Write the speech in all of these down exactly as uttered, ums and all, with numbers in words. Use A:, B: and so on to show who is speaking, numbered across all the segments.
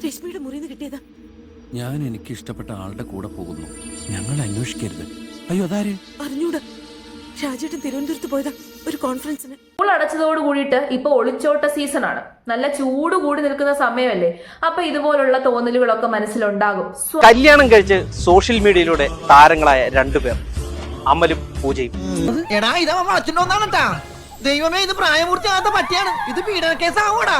A: രശ്മിയുടെ മുറിന്ന് കിട്ടിയതാ.
B: ഞാൻ എനിക്ക് ഇഷ്ടപ്പെട്ട ആളുടെ കൂടെ പോകുന്നു. ഞങ്ങൾ അന്വേഷിക്കരുത്. അയ്യോ അതാര്?
A: അറിഞ്ഞൂടാ. ഷാജിയേട്ടൻ തിരുവനന്തപുരത്ത് പോയതാ ഒരു കോൺഫറൻസിന്.
C: സ്കൂൾ അടച്ചതോട് കൂടിയിട്ട് ഇപ്പൊ ഒളിച്ചോട്ട സീസൺ ആണ്. നല്ല ചൂട് കൂടി നിൽക്കുന്ന സമയമല്ലേ. അപ്പൊ ഇതുപോലുള്ള തോന്നലുകളൊക്കെ മനസ്സിലുണ്ടാകും.
D: കല്യാണം കഴിച്ച് സോഷ്യൽ മീഡിയയിലൂടെ താരങ്ങളായ രണ്ടുപേർ, അമലും പൂജയും.
E: എടാ ഇതാ വളച്ചിട്ടോന്നാണ്. ദൈവമേ, ഇത് പ്രായപൂർത്തിയാകാത്ത പറ്റിയാണ്. ഇത് പീഡന കേസാവൂടാ.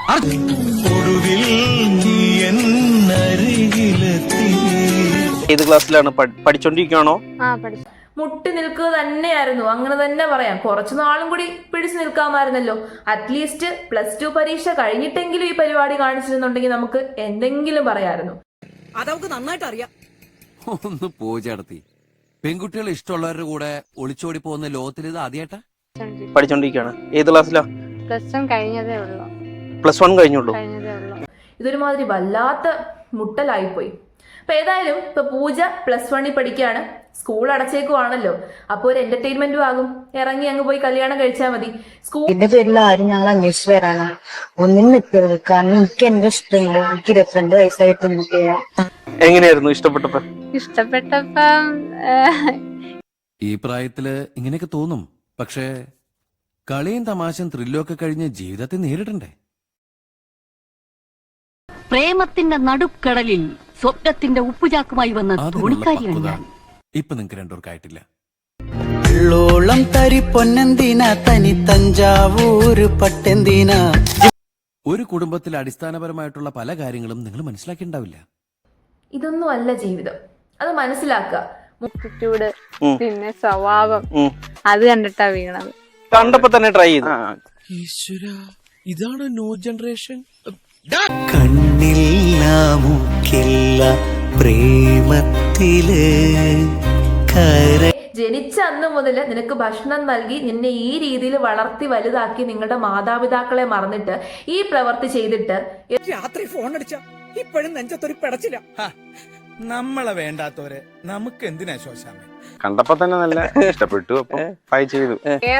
D: ഏത് ക്ലാസ്സിലാണ്? പഠിച്ചോണ്ടിരിക്കുകയാണോ?
C: മുട്ടി നിൽക്കുക തന്നെയായിരുന്നു, അങ്ങനെ തന്നെ പറയാം. കുറച്ചു നാളും കൂടി പിടിച്ചു നിൽക്കാമായിരുന്നല്ലോ. അറ്റ്ലീസ്റ്റ് പ്ലസ് ടു പരീക്ഷ കഴിഞ്ഞിട്ടെങ്കിലും ഈ പരിപാടി കാണിച്ചിരുന്നുണ്ടെങ്കിൽ നമുക്ക് എന്തെങ്കിലും പറയാമായിരുന്നു.
A: അതവർക്ക് നന്നായിട്ട് അറിയാം.
B: ഒന്ന് പൂജ നടത്തി. പെൺകുട്ടികൾ ഇഷ്ടമുള്ളവരുടെ കൂടെ ഒളിച്ചോടി പോകുന്ന ലോകത്തിൽ ഇത് ആദ്യമായിട്ടാ?
D: പഠിച്ചോണ്ടിരിക്കുകയാണ്. ഏത് ക്ലാസ്സിലാ?
F: പ്ലസ് വൺ കഴിഞ്ഞതേ ഉള്ളൂ.
D: പ്ലസ് വൺ കഴിഞ്ഞുള്ളൂ.
C: ഇതൊരുമാതിരി വല്ലാത്ത മുട്ടലായിപ്പോയി. അപ്പൊ ഏതായാലും ഇപ്പൊ പൂജ പ്ലസ് വണ്ണിൽ പഠിക്കുകയാണ്. സ്കൂൾ അടച്ചേക്കുവാണല്ലോ. അപ്പൊ ഒരു എന്റർടൈൻമെന്റും ആകും. ഇറങ്ങി അങ്ങ് പോയി കല്യാണം കഴിച്ചാൽ മതി.
G: സ്കൂളിന്റെ പേരിൽ ആരും ഞങ്ങൾ അന്വേഷിച്ച് വരാനാണ്. ഒന്നും നിൽക്കരുത്. കാരണം എനിക്ക് എന്റെ ഇഷ്ടമില്ല. എനിക്ക് ഇരുപത്തിരണ്ട് വയസ്സായിട്ട്
D: എങ്ങനെയായിരുന്നു ഇഷ്ടപ്പെട്ടപ്പോ?
F: ഇഷ്ടപ്പെട്ടപ്പം
B: ഈ പ്രായത്തില് ഇങ്ങനെയൊക്കെ തോന്നും. പക്ഷേ കളിയും തമാശയും ത്രില്ലും ഒക്കെ കഴിഞ്ഞ് ജീവിതത്തെ നേരിടണ്ടേ?
H: പ്രേമത്തിന്റെ നടുക്കടലിൽ സ്വപ്നത്തിന്റെ ഉപ്പുചാക്കുമായി വന്ന തോണിക്കാരിയാണ് ഞാൻ.
B: ഇപ്പൊ നിങ്ങക്ക് രണ്ടുപേർക്കായിട്ടില്ല.
E: ോളം തരി പൊന്നെന്തിനാ തനി തഞ്ചാവൂര് പട്ടെന്തിനാ.
B: ഒരു കുടുംബത്തിൽ അടിസ്ഥാനപരമായിട്ടുള്ള പല കാര്യങ്ങളും നിങ്ങൾ മനസ്സിലാക്കിണ്ടാവില്ല.
C: ഇതൊന്നും അല്ല ജീവിതം, അത് മനസ്സിലാക്കുക.
F: ആറ്റിറ്റ്യൂഡ്, പിന്നെ സ്വഭാവം, അത് കണ്ടിട്ടാ വീണത്.
D: കണ്ടപ്പോ തന്നെ ട്രൈ ചെയ്തു.
B: ഇതാണ് ന്യൂ ജനറേഷൻ.
E: കണ്ണില്ല മൂക്കില്ല പ്രേമത്തില്
C: ജനിച്ച അന്ന് മുതൽ നിനക്ക് ഭക്ഷണം നൽകി നിന്നെ ഈ രീതിയിൽ വളർത്തി വലുതാക്കി നിങ്ങളുടെ മാതാപിതാക്കളെ മറന്നിട്ട് ഈ പ്രവൃത്തി ചെയ്തിട്ട്
E: രാത്രി ഫോൺ അടിച്ച ഇപ്പോഴും നെഞ്ചത്തൊരു പിടച്ചില്ല.
I: നമ്മളെ വേണ്ടാത്തവരെ നമുക്ക് എന്തിനാ ശോശാമേ?
D: കണ്ടപ്പോ തന്നെ നല്ല ഇഷ്ടപ്പെട്ടു. അപ്പൊ ട്രൈ ചെയ്തു.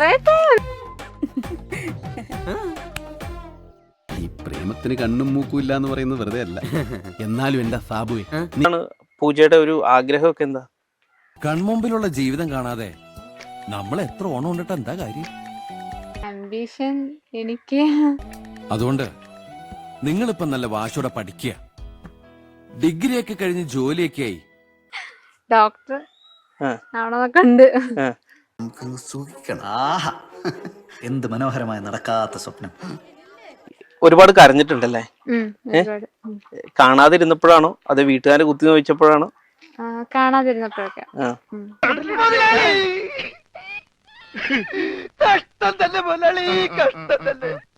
B: ഈ പ്രേമത്തിന് കണ്ണും മൂക്കും ഇല്ല എന്ന് പറയുന്നത് വെറുതെ അല്ല. എന്നാലും എന്താ സാബുവേ,
D: പൂജയുടെ ഒരു ആഗ്രഹമൊക്കെ എന്താ?
B: കൺമുമ്പിലുള്ള ജീവിതം കാണാതെ നമ്മൾ എത്ര ഓണം കൊണ്ടിട്ട് എന്താ കാര്യം?
F: ആംബിഷൻ എനിക്ക്.
B: അതുകൊണ്ട് നിങ്ങളിപ്പം നല്ല വാശോടെ പഠിക്കുക. ഡിഗ്രി ഒക്കെ കഴിഞ്ഞ് ജോലിയൊക്കെ ആയി
F: ഡോക്ടർ ആവണമെന്നൊക്കെ ഉണ്ട്.
E: ആഹാ, എന്ത് മനോഹരമായ നടക്കാത്ത സ്വപ്നം.
D: ഒരുപാട് കരഞ്ഞിട്ടുണ്ടല്ലേ? കാണാതിരുന്നപ്പോഴാണോ അത് വീട്ടുകാരെ കുത്തി നോവിച്ചപ്പോഴാണോ?
F: കാണാതിരുന്നപ്പോഴൊക്കെ.
E: കഷ്ടം തന്നെ മുതലാളി, കഷ്ടം തന്നെ.